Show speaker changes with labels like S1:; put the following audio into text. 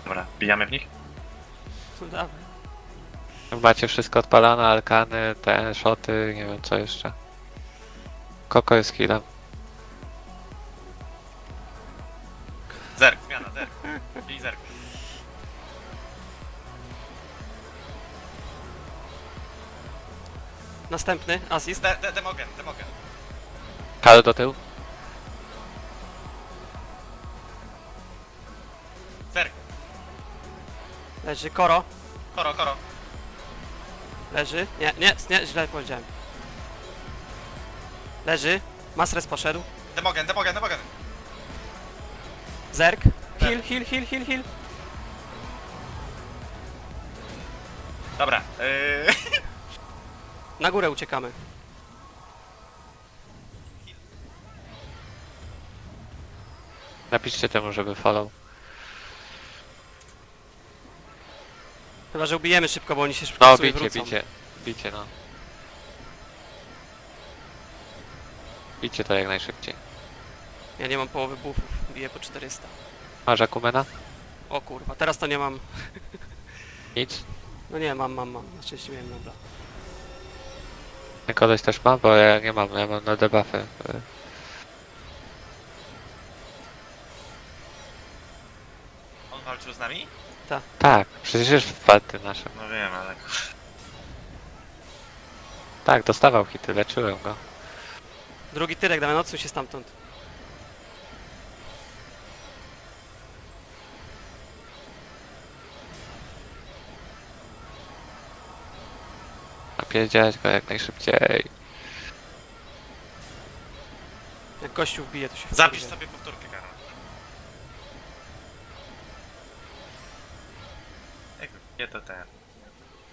S1: Dobra, bijamy w nich?
S2: No dawaj.
S3: Macie wszystko odpalone, alkany, te shoty, nie wiem co jeszcze. Koko jest healem.
S1: Zerk, zmiana, zerk. Bij zerk.
S2: Następny, assist.
S1: Demogen.
S3: Kal do tyłu.
S1: Zerk.
S2: Leży, Koro.
S1: Koro.
S2: Leży. Nie, źle powiedziałem. Leży. Masres poszedł.
S1: Demogen.
S2: Zerk. Heal.
S1: Dobra,
S2: Na górę uciekamy.
S3: Napiszcie temu, żeby follow.
S2: Chyba, że ubijemy szybko, bo oni się szybko
S3: No
S2: sobie
S3: bicie,
S2: wrócą.
S3: bicie no. Bicie to jak najszybciej.
S2: Ja nie mam połowy buffów. Biję po 400.
S3: Masz Akumena?
S2: O kurwa, teraz to nie mam.
S3: Nic?
S2: No nie, mam. Na szczęście miałem nobla.
S3: Koleś też ma? Bo ja nie mam, ja mam na debuffy.
S1: on walczył z nami?
S3: Tak, przecież już wpadły nasze.
S1: No wiem, ale...
S3: Tak, dostawał hity, leczyłem go.
S2: Drugi tyrek, damy odsuń się stamtąd.
S3: Napierdzielać go jak najszybciej.
S2: Jak gościu wbije, to się
S1: Zapisz
S2: wkurwię.
S1: sobie powtórkę, Karol. Jak wbije to ten...